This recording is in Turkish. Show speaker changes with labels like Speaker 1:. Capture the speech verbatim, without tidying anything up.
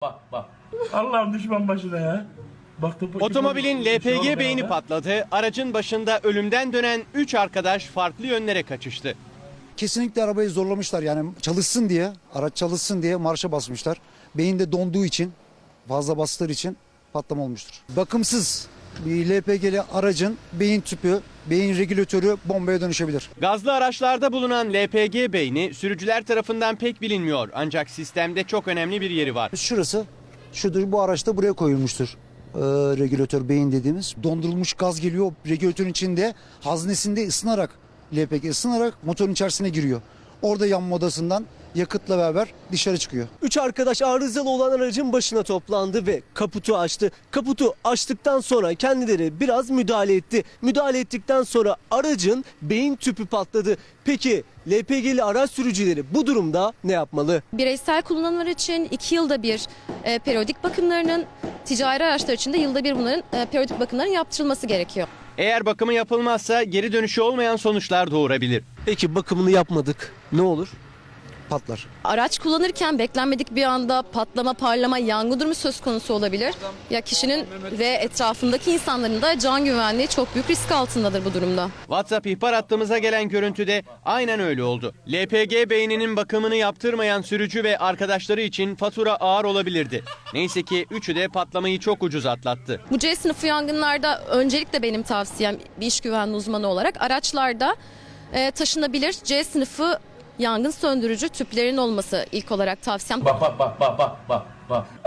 Speaker 1: Bak bak. Allah'ım düşman başına ya. Baktım,
Speaker 2: Otomobilin L P G beyni patladı. Aracın başında ölümden dönen üç arkadaş farklı yönlere kaçıştı.
Speaker 3: Kesinlikle arabayı zorlamışlar, yani çalışsın diye, araç çalışsın diye marşa basmışlar. Beyin de donduğu için, fazla bastığı için patlama olmuştur. Bakımsız bir L P G'li aracın beyin tüpü, beyin regülatörü bombaya dönüşebilir.
Speaker 2: Gazlı araçlarda bulunan L P G beyni sürücüler tarafından pek bilinmiyor. Ancak sistemde çok önemli bir yeri var.
Speaker 3: Şurası, şudur, bu araçta buraya koyulmuştur. Ee, regülatör beyin dediğimiz. Dondurulmuş gaz geliyor regülatörün içinde, haznesinde ısınarak, L P G ısınarak motorun içerisine giriyor. Orada yanma odasından yakıtla beraber dışarı çıkıyor.
Speaker 4: Üç arkadaş arızalı olan aracın başına toplandı ve kaputu açtı. Kaputu açtıktan sonra kendileri biraz müdahale etti. Müdahale ettikten sonra aracın beyin tüpü patladı. Peki L P G'li araç sürücüleri bu durumda ne yapmalı?
Speaker 5: Bireysel kullanımlar için iki yılda bir e, periyodik bakımlarının, ticari araçlar için de yılda bir bunların e, periyodik bakımların yaptırılması gerekiyor.
Speaker 2: Eğer bakımı yapılmazsa geri dönüşü olmayan sonuçlar doğurabilir.
Speaker 4: Peki bakımını yapmadık, ne olur?
Speaker 3: Patlar.
Speaker 5: Araç kullanırken beklenmedik bir anda patlama, parlama, yangın durumu söz konusu olabilir. Ya kişinin ve etrafındaki insanların da can güvenliği çok büyük risk altındadır bu durumda.
Speaker 2: WhatsApp ihbar hattımıza gelen görüntüde aynen öyle oldu. L P G beyninin bakımını yaptırmayan sürücü ve arkadaşları için fatura ağır olabilirdi. Neyse ki üçü de patlamayı çok ucuz atlattı.
Speaker 5: Bu C sınıfı yangınlarda öncelikle benim tavsiyem bir iş güvenliği uzmanı olarak araçlarda e, taşınabilir C sınıfı yangın söndürücü tüplerin olması ilk olarak tavsiyem.
Speaker 1: Bak bak bak bak bak bak.